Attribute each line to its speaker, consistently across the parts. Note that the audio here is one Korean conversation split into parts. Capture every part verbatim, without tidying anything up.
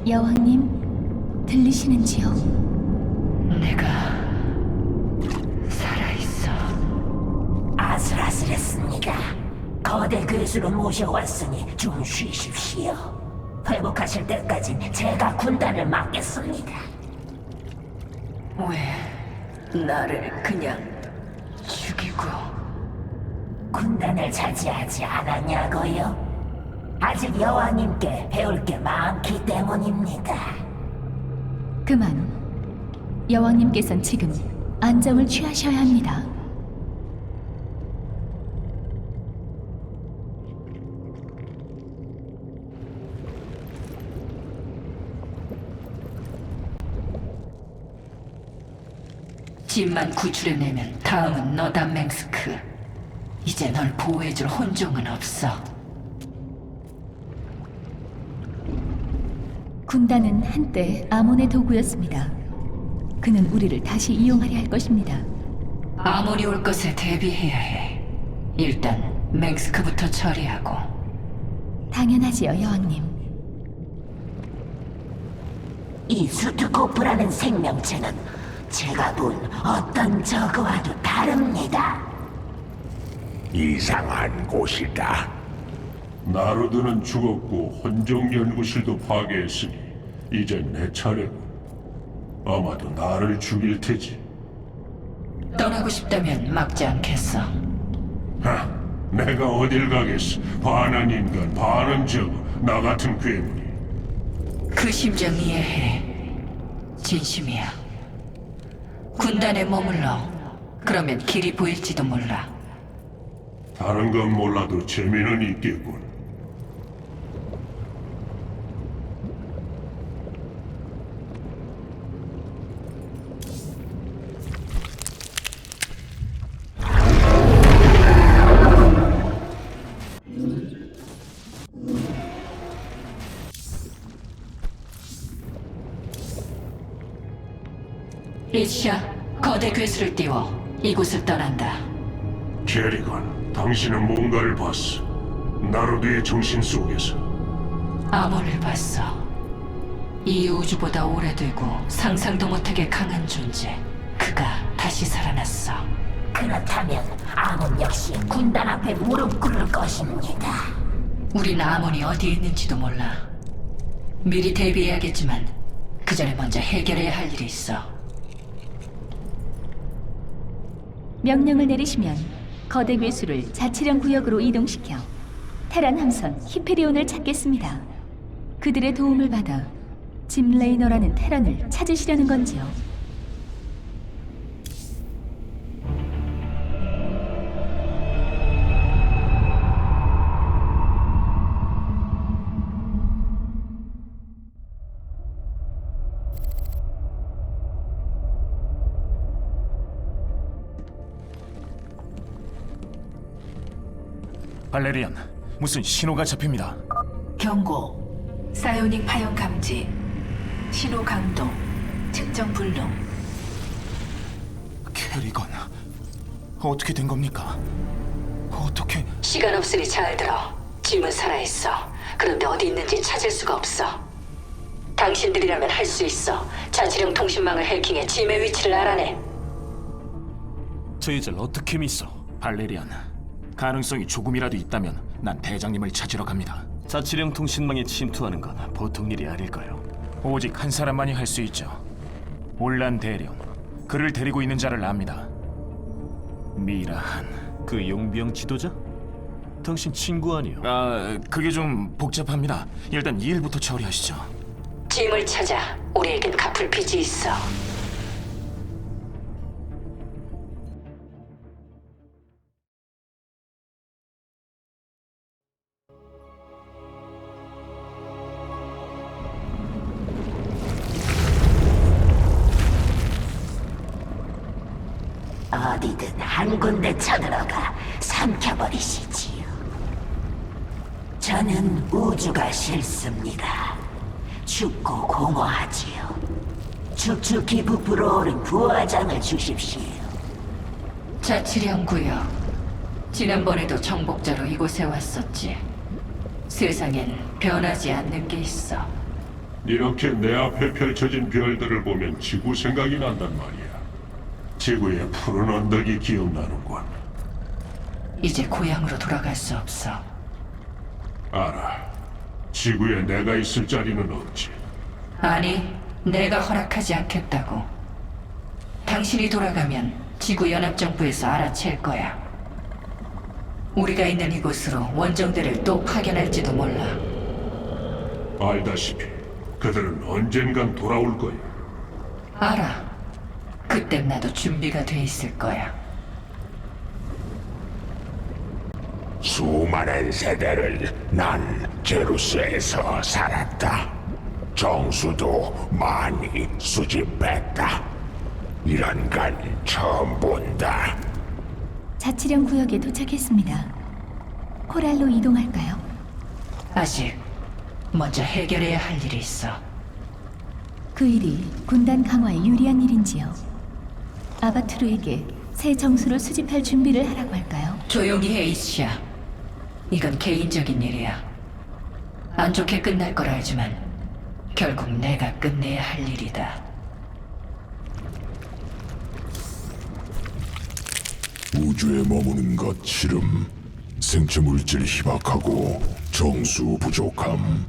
Speaker 1: 여왕님, 들리시는지요?
Speaker 2: 내가 살아있어.
Speaker 3: 아슬아슬했습니다. 거대 괴수로 모셔왔으니 좀 쉬십시오. 회복하실 때까진 제가 군단을 맡겠습니다.
Speaker 2: 왜 나를 그냥 죽이고?
Speaker 3: 군단을 차지하지 않았냐고요? 아직 여왕님께 배울 게 많기 때문입니다.
Speaker 1: 그만. 여왕님께선 지금 안정을 취하셔야 합니다.
Speaker 2: 집만 구출해내면 다음은 너다, 맹스크. 이제 널 보호해줄 혼종은 없어.
Speaker 1: 군단은 한때 아몬의 도구였습니다. 그는 우리를 다시 이용하려 할 것입니다.
Speaker 2: 아몬이 올 것에 대비해야 해. 일단 맹스크부터 처리하고.
Speaker 1: 당연하지요, 여왕님.
Speaker 3: 이 수트코프라는 생명체는 제가 본 어떤 저거와도 다릅니다.
Speaker 4: 이상한 곳이다.
Speaker 5: 나루드는 죽었고 혼종 연구실도 파괴했으니 이젠 내 차례고 아마도 나를 죽일 테지.
Speaker 2: 떠나고 싶다면 막지 않겠어.
Speaker 5: 하, 내가 어딜 가겠어. 반은 인간, 반은 저거. 나 같은 괴물이.
Speaker 2: 그 심정 이해해. 진심이야. 군단에 머물러. 그러면 길이 보일지도 몰라.
Speaker 5: 다른 건 몰라도 재미는 있겠군.
Speaker 2: 리치야, 거대 괴수를 띄워 이곳을 떠난다.
Speaker 5: 제리건, 당신은 뭔가를 봤어. 나루드의 정신 속에서.
Speaker 2: 아몬을 봤어. 이 우주보다 오래되고 상상도 못하게 강한 존재. 그가 다시 살아났어.
Speaker 3: 그렇다면 아몬 역시 군단 앞에 무릎 꿇을 것입니다.
Speaker 2: 우린 아몬이 어디에 있는지도 몰라. 미리 대비해야겠지만 그 전에 먼저 해결해야 할 일이 있어.
Speaker 1: 명령을 내리시면 거대 괴수를 자치령 구역으로 이동시켜 테란 함선 히페리온을 찾겠습니다. 그들의 도움을 받아 짐 레이너라는 테란을 찾으시려는 건지요?
Speaker 6: 발레리안, 무슨 신호가 잡힙니다.
Speaker 7: 경고. 사이오닉 파형 감지. 신호 강도. 측정 불능.
Speaker 6: 캐리건, 어떻게 된 겁니까? 어떻게...
Speaker 2: 시간 없으니 잘 들어. 짐은 살아있어. 그런데 어디 있는지 찾을 수가 없어. 당신들이라면 할 수 있어. 자치령 통신망을 해킹해 짐의 위치를 알아내.
Speaker 6: 저희들 어떻게 믿어? 발레리안, 가능성이 조금이라도 있다면 난 대장님을 찾으러 갑니다.
Speaker 8: 자치령 통신망에 침투하는 건 보통 일이 아닐까요?
Speaker 6: 오직 한 사람만이 할 수 있죠. 올란 대령, 그를 데리고 있는 자를 압니다. 미라한.
Speaker 8: 그 용병 지도자? 당신 친구 아니요?
Speaker 6: 아, 그게 좀 복잡합니다. 일단 이 일부터 처리하시죠.
Speaker 2: 짐을 찾아. 우리에겐 갚을 빚이 있어.
Speaker 3: 어디든 한 군데 쳐들어가 삼켜버리시지요. 저는 우주가 싫습니다. 춥고 공허하지요. 축축히 부풀어 오른 부화장을 주십시오.
Speaker 2: 자치령 구역. 지난번에도 정복자로 이곳에 왔었지. 세상엔 변하지 않는 게 있어.
Speaker 5: 이렇게 내 앞에 펼쳐진 별들을 보면 지구 생각이 난단 말이야. 지구의 푸른 언덕이 기억나는군.
Speaker 7: 이제 고향으로 돌아갈 수 없어.
Speaker 5: 알아. 지구에 내가 있을 자리는 없지.
Speaker 7: 아니, 내가 허락하지 않겠다고. 당신이 돌아가면 지구연합정부에서 알아챌 거야. 우리가 있는 이곳으로 원정대를 또 파견할지도 몰라.
Speaker 5: 알다시피 그들은 언젠간 돌아올 거야.
Speaker 7: 알아. 그땐 나도 준비가 돼 있을 거야.
Speaker 4: 수많은 세대를 난 제루스에서 살았다. 정수도 많이 수집했다. 이런 건 처음 본다.
Speaker 1: 자치령 구역에 도착했습니다. 코랄로 이동할까요?
Speaker 7: 아직 먼저 해결해야 할 일이 있어.
Speaker 1: 그 일이 군단 강화에 유리한 일인지요? 아바투르에게 새 정수를 수집할 준비를 하라고 할까요?
Speaker 7: 조용히 해, 이시야. 이건 개인적인 일이야. 안 좋게 끝날 걸 알지만 결국 내가 끝내야 할 일이다.
Speaker 4: 우주에 머무는 것 싫음. 생체 물질 희박하고 정수 부족함.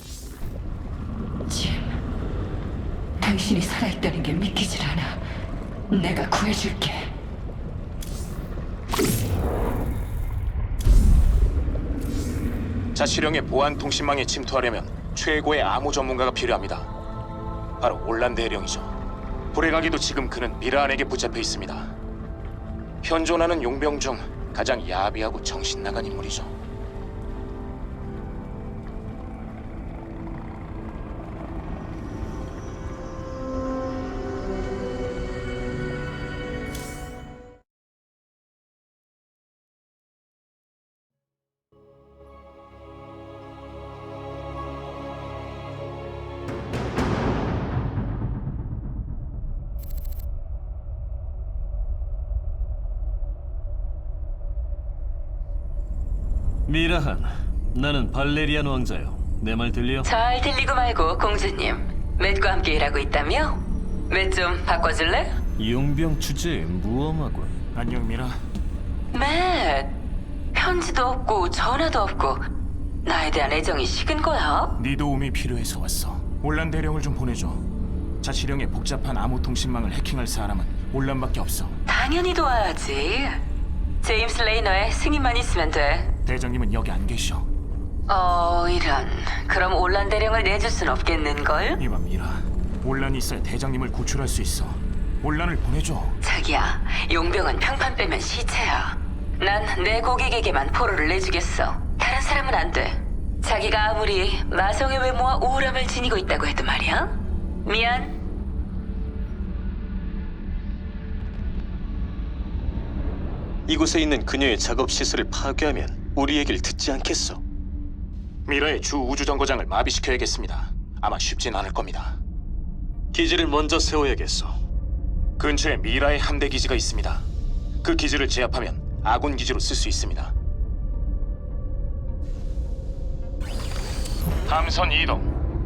Speaker 7: 짐, 당신이 살아있다는 게 믿기질 않아. 내가 구해줄게.
Speaker 6: 자치령의 보안 통신망에 침투하려면 최고의 암호 전문가가 필요합니다. 바로 올란 대령이죠. 불에 가기도 지금 그는 미라안에게 붙잡혀 있습니다. 현존하는 용병 중 가장 야비하고 정신 나간 인물이죠.
Speaker 8: 미라한, 나는 발레리안 왕자요. 내 말 들려?
Speaker 2: 잘 들리고 말고 공주님. 맷과 함께 일하고 있다며? 맷 좀 바꿔줄래?
Speaker 8: 용병 주제에 무엄하군.
Speaker 6: 안녕 미라.
Speaker 2: 맷, 편지도 없고 전화도 없고 나에 대한 애정이 식은 거야?
Speaker 6: 네 도움이 필요해서 왔어. 올란 대령을 좀 보내줘. 자치령의 복잡한 암호 통신망을 해킹할 사람은 올란밖에 없어.
Speaker 2: 당연히 도와야지. 제임스 레이너의 승인만 있으면 돼.
Speaker 6: 대장님은 여기 안 계셔.
Speaker 2: 어, 이런. 그럼 올란 대령을 내줄 순 없겠는걸?
Speaker 6: 이봐 미라. 올란이 있어야 대장님을 구출할 수 있어. 올란을 보내줘.
Speaker 2: 자기야, 용병은 평판 빼면 시체야. 난 내 고객에게만 포로를 내주겠어. 다른 사람은 안 돼. 자기가 아무리 마성의 외모와 우울함을 지니고 있다고 해도 말이야. 미안.
Speaker 8: 이곳에 있는 그녀의 작업 시설을 파괴하면 우리 얘기를 듣지 않겠어.
Speaker 6: 미라의 주 우주정거장을 마비시켜야겠습니다. 아마 쉽진 않을 겁니다.
Speaker 8: 기지를 먼저 세워야겠어.
Speaker 6: 근처에 미라의 함대 기지가 있습니다. 그 기지를 제압하면 아군 기지로 쓸 수 있습니다. 함선 이동.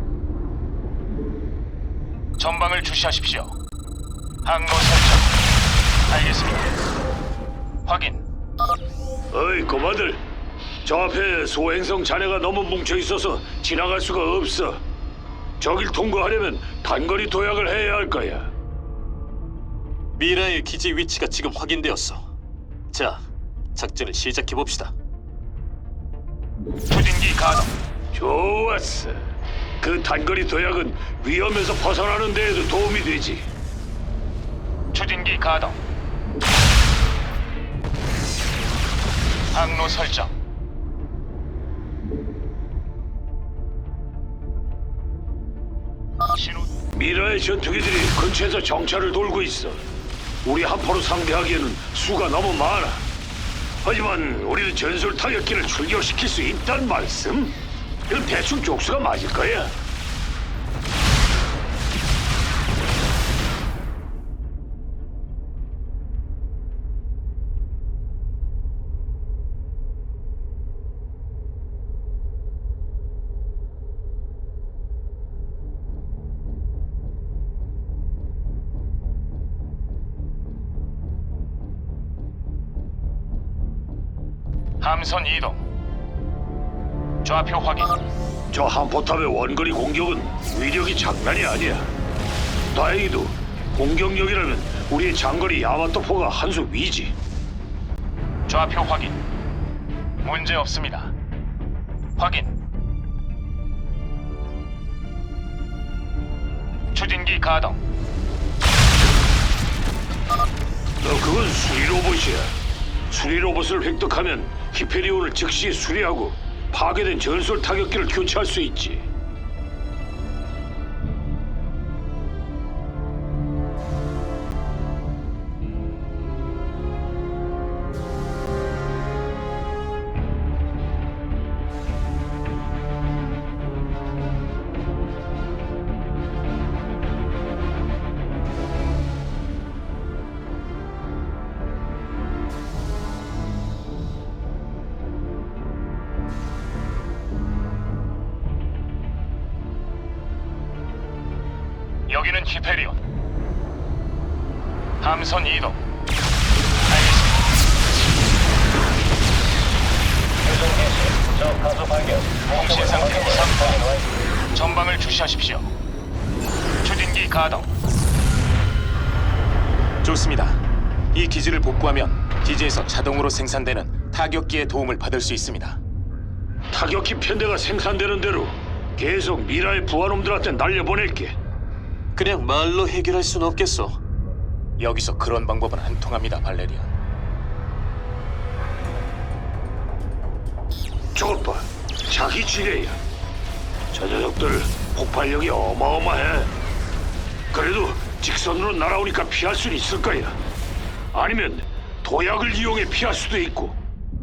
Speaker 6: 전방을 주시하십시오. 항로 설정. 알겠습니다. 확인.
Speaker 9: 어이, 고마들. 저 앞에 소행성 잔해가 너무 뭉쳐 있어서 지나갈 수가 없어. 저길 통과하려면 단거리 도약을 해야 할 거야.
Speaker 8: 미라의 기지 위치가 지금 확인되었어. 자, 작전을 시작해 봅시다.
Speaker 6: 추진기 가동.
Speaker 9: 좋았어. 그 단거리 도약은 위험에서 벗어나는 데에도 도움이 되지.
Speaker 6: 추진기 가동. 항로 설정. 신호.
Speaker 9: 미라의 전투기들이 근처에서 정찰을 돌고 있어. 우리 한포로 상대하기에는 수가 너무 많아. 하지만 우리는 전술 타격기를 출격시킬 수 있단 말씀? 이건 대충 족수가 맞을 거야.
Speaker 6: 함선 이동. 좌표 확인.
Speaker 9: 저 한포탑의 원거리 공격은 위력이 장난이 아니야. 다행히도 공격력이라면 우리의 장거리 야마토포가 한 수 위지.
Speaker 6: 좌표 확인. 문제 없습니다. 확인. 추진기 가동.
Speaker 9: 너 그건 수리 로봇이야. 수리 로봇을 획득하면 히페리온을 즉시 수리하고 파괴된 전술 타격기를 교체할 수 있지.
Speaker 6: 여기는 히페리온. 함선 이동. 알겠습니다. 통신 상태 이상. 전방을 주시하십시오. 추진기 가동. 좋습니다. 이 기지를 복구하면 기지에서 자동으로 생산되는 타격기의 도움을 받을 수 있습니다.
Speaker 9: 타격기 편대가 생산되는 대로 계속 미라의 부하놈들한테 날려보낼게.
Speaker 8: 그냥 말로 해결할 순 없겠어.
Speaker 6: 여기서 그런 방법은 안 통합니다, 발레리안.
Speaker 9: 저것 봐, 자기 지뢰야. 저 녀석들 폭발력이 어마어마해. 그래도 직선으로 날아오니까 피할 수는 있을 거야. 아니면 도약을 이용해 피할 수도 있고.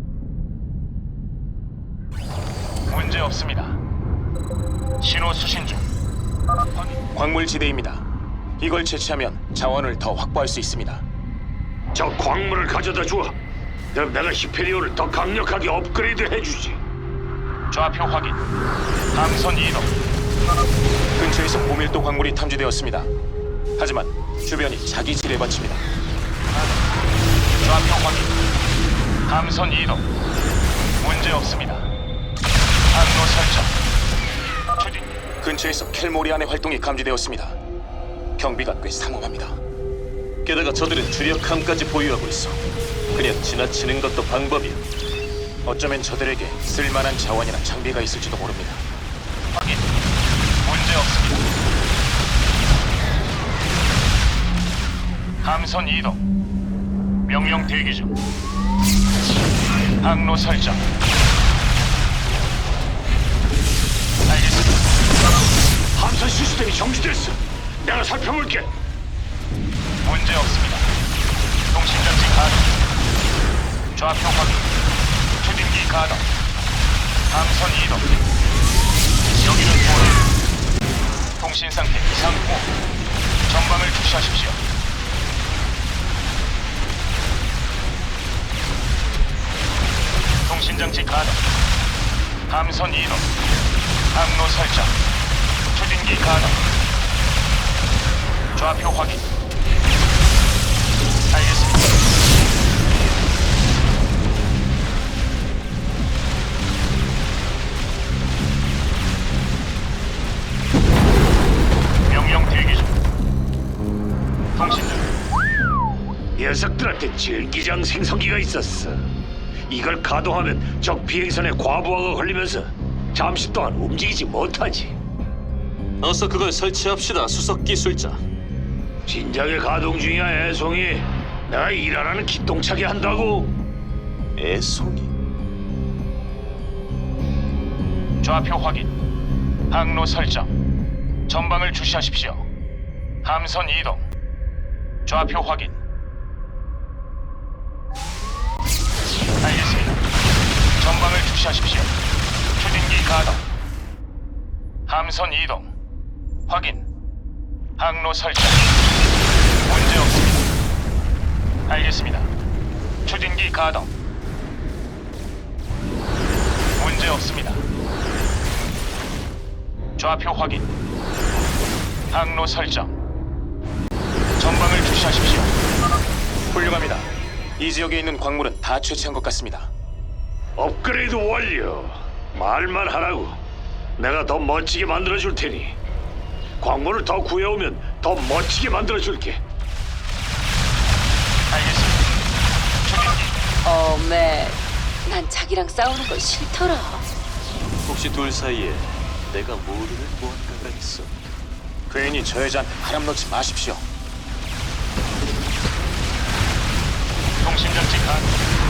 Speaker 6: 문제 없습니다. 신호 수신 중. 광물지대입니다. 이걸 채취하면 자원을 더 확보할 수 있습니다.
Speaker 9: 저 광물을 가져다 줘. 그럼 내가 히페리온을 더 강력하게 업그레이드 해주지.
Speaker 6: 좌표 확인. 함선 이동. 근처에서 고밀도 광물이 탐지되었습니다. 하지만 주변이 자기 지뢰밭입니다. 좌표 확인. 함선 이동. 문제 없습니다. 항로 설정. 추진. 근처에서 켈모리안의 활동이 감지되었습니다. 경비가 꽤 삼엄합니다.
Speaker 8: 게다가 저들은 주력함까지 보유하고 있어. 그냥 지나치는 것도 방법이야.
Speaker 6: 어쩌면 저들에게 쓸만한 자원이나 장비가 있을지도 모릅니다. 확인. 문제 없습니다. 함선 이동. 명령 대기 중. 항로 설정. 알겠습니다.
Speaker 9: 함선 시스템이 정지됐어. 내가 살펴볼게.
Speaker 6: 문제 없습니다. 통신장치 가동. 좌표 확인. 추진기 가동. 함선 이동. 여기는 도로. 통신 상태 이상 후. 전방을 주시하십시오. 통신장치 가동. 함선 이동. 항로 설정. 추진기 가동. 좌표 확인. 알겠습니다. 명령 대기 중. 통신 중.
Speaker 9: 녀석들한테 전기장 생성기가 있었어. 이걸 가동하면 적 비행선에 과부하가 걸리면서 잠시 동안 움직이지 못하지.
Speaker 8: 어서 그걸 설치합시다, 수석 기술자.
Speaker 9: 진작에 가동 중이야, 애송이. 내가 일하라는 기똥차게 한다고.
Speaker 8: 애송이.
Speaker 6: 좌표 확인. 항로 설정. 전방을 주시하십시오. 함선 이동. 좌표 확인. 알겠습니다. 전방을 주시하십시오. 추진기 가동. 함선 이동. 확인. 항로 설정. 문제 없습니다. 알겠습니다. 추진기 가동. 문제 없습니다. 좌표 확인. 항로 설정. 전방을 주시하십시오. 훌륭합니다. 이 지역에 있는 광물은 다 채취한 것 같습니다.
Speaker 9: 업그레이드 완료. 말만 하라고. 내가 더 멋지게 만들어줄 테니. 광물을 더 구해오면 더 멋지게 만들어줄게.
Speaker 2: 어, 맷. 난 자기랑 싸우는 거 싫더라.
Speaker 8: 혹시 둘 사이에 내가 모르는 무언가가 있어?
Speaker 6: 괜히 저 여자한테 바람 넣지 마십시오.
Speaker 5: 통신장치 가.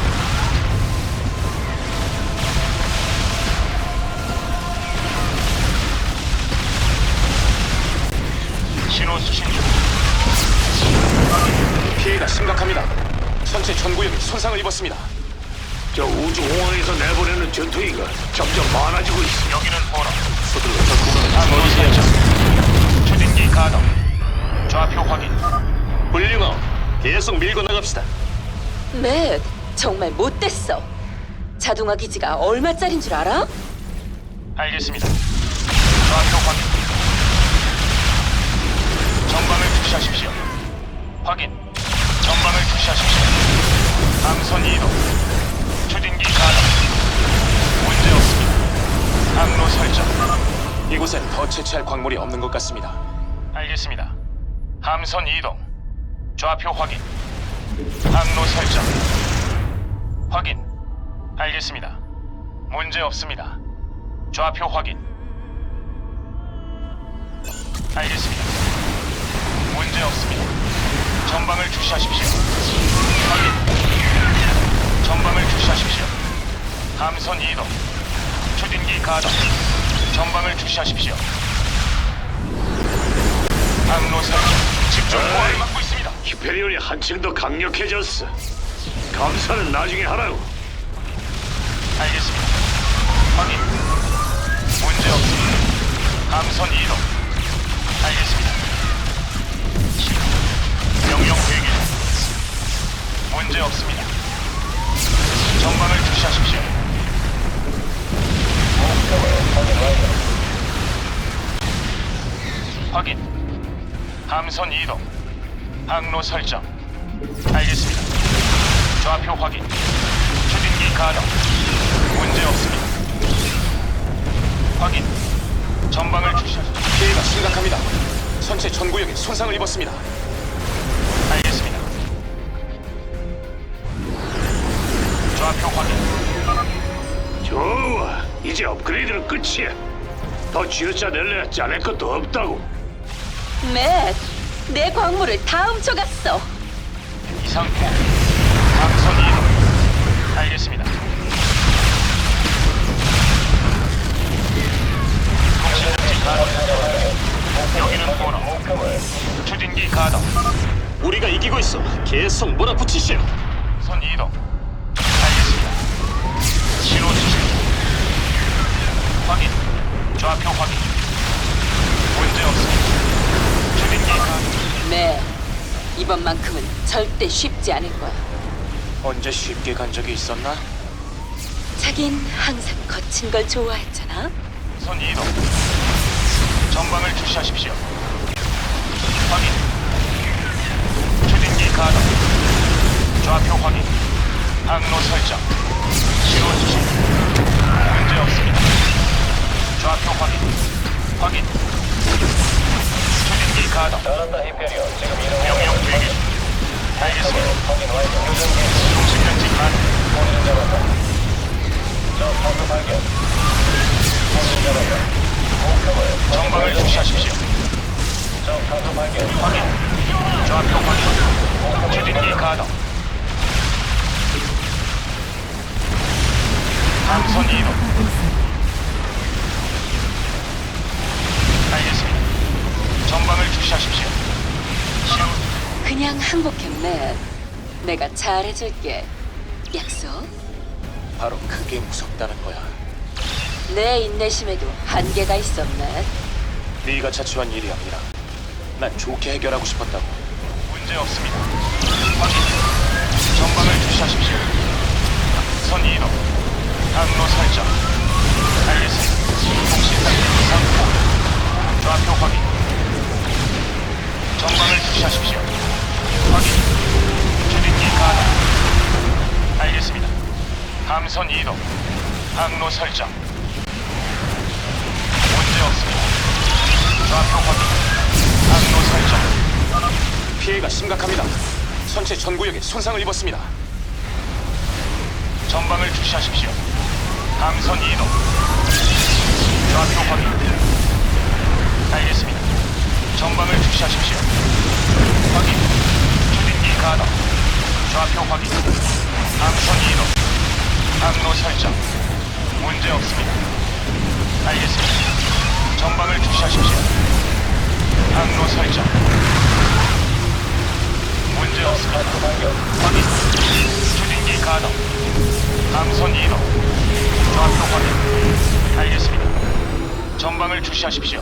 Speaker 5: 신호 수신 중.
Speaker 6: 피해가 심각합니다. 전체 전구역이 손상을 입었습니다.
Speaker 9: 저 우주공항에서 내보내는 전투기가 점점 많아지고 있어.
Speaker 5: 여기는 보너.
Speaker 8: 서둘러 적구간을
Speaker 5: 항로 설정. 추진기 가동. 좌표 확인.
Speaker 8: 훌륭하오. 계속 밀고 나갑시다.
Speaker 2: 맷, 정말 못됐어. 자동화 기지가 얼마짜린 줄 알아?
Speaker 5: 알겠습니다. 좌표 확인. 전방을 주시하십시오. 확인. 전방을 주시하십시오. 함선 이동. 추진기 가동. 문제 없습니다. 항로 설정.
Speaker 6: 이곳엔 더 채취할 광물이 없는 것 같습니다.
Speaker 5: 알겠습니다. 함선 이동. 좌표 확인. 항로 설정. 확인. 알겠습니다. 문제 없습니다. 좌표 확인. 알겠습니다. 문제 없습니다. 전방을 주시하십시오. 확인. 전방을 주시하십시오. 함선 이동. 추진기 가동. 전방을 주시하십시오. 항로 설정. 집중 포화를 막고 있습니다.
Speaker 9: 히페리온이 한층 더 강력해졌어. 감사는 나중에 하라고.
Speaker 5: 알겠습니다. 확인. 문제 없습니다. 함선 이동. 알겠습니다. 명령 대기 중. 문제 없습니다. 전방을 주시하십시오. 확인. 함선 이동. 항로 설정. 알겠습니다. 좌표 확인. 추진기 가동. 문제 없습니다. 확인. 전방을 주시하십시오.
Speaker 6: 피해가 심각합니다. 전체 전구역이 손상을 입었습니다.
Speaker 5: 알겠습니다. 좌표 확인.
Speaker 9: 좋아. 이제 업그레이드는 끝이야. 더 쥐어짜낼래야 짜낼 것도 없다고.
Speaker 2: 맷, 내 광물을 다 훔쳐갔어.
Speaker 5: 이상포. 함선 이동. 알겠습니다. 통신장치 가동. 여기는 보너. 추진기 가동.
Speaker 8: 우리가 이기고 있어. 계속 몰아붙이시오.
Speaker 5: 선 이동. 알겠습니다. 신호 수신. 확인. 좌표 확인. 문제 없습니다. 추진기 가동.
Speaker 2: 맷, 이번만큼은 절대 쉽지 않을 거야.
Speaker 6: 언제 쉽게 간 적이 있었나?
Speaker 2: 자긴 항상 거친 걸 좋아했잖아.
Speaker 5: 선 이동. 전방을 주시하십시오. 확인. 추진기 가동. 좌표 확인. 항로 설정. 신호 수신. 문제 없습니다. 좌표 확인. 확인. 추진기 가동. 명령 대기 중. 알겠습니다. 통신장치 가동. 전방을 주시하십시오. 확인. 좌표 확인. 추진기 가동. 함선 이동. 알겠습니다. 전방을 주시하십시오. 신호.
Speaker 2: 그냥 항복해, 맷. 내가 잘해줄게. 약속?
Speaker 6: 바로 그게 무섭다는 거야.
Speaker 2: 내 인내심에도 한계가 있어, 맷.
Speaker 6: 네가 자초한 일이 아니라 난 좋게 해결하고 싶었다고.
Speaker 5: 문제 없습니다. 확인. 전방을 주시하십시오. 선 이동. 항로 설정. 알겠습니다. 통신상태 상포. 좌표 확인. 전방을 주시하십시오. 확인. 추진기 가동. 알겠습니다.
Speaker 6: 함선 이동. 항로 설정. 문제 없습니다. 좌표 확인. 항로 설정. 피해가 심각합니다. 선체 전 구역에 손상을 입었습니다. 전방을 주시하십시오. 함선 이동. 좌표 확인. 알겠습니다. 전방을 주시하십시오. 확인. 추진기 가동. 좌표 확인. 함선 이동. 항로 설정. 문제 없습니다. 알겠습니다. 전방을 주시하십시오. 항로 설정. 문제 없습니다. 확인. 추진기 가동. 함선 이동. 좌표 확인. 알겠습니다. 전방을 주시하십시오.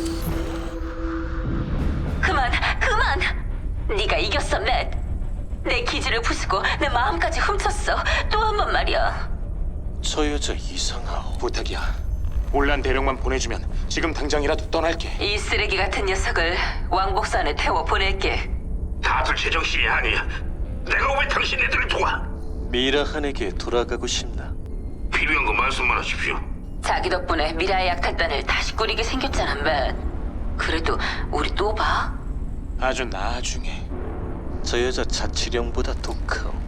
Speaker 2: 그만, 그만! 네가 이겼어, 맷. 내 기지를 부수고 내 마음까지 훔쳤어. 또 한 번 말이야.
Speaker 8: 저 여자 이상하오.
Speaker 6: 부탁이야. 올란 대령만 보내주면 지금 당장이라도 떠날게.
Speaker 2: 이 쓰레기 같은 녀석을 왕복선 안에 태워 보낼게.
Speaker 9: 다들 제정신이 아니야. 내가 왜 당신네들을 도와?
Speaker 8: 미라한에게 돌아가고 싶나?
Speaker 9: 필요한 거 말씀만 하십시오.
Speaker 2: 자기 덕분에 미라의 약탈단을 다시 꾸리게 생겼잖아, 맷. 그래도 우리 또 봐?
Speaker 6: 아주 나중에.
Speaker 8: 저 여자 자치령보다 독하오.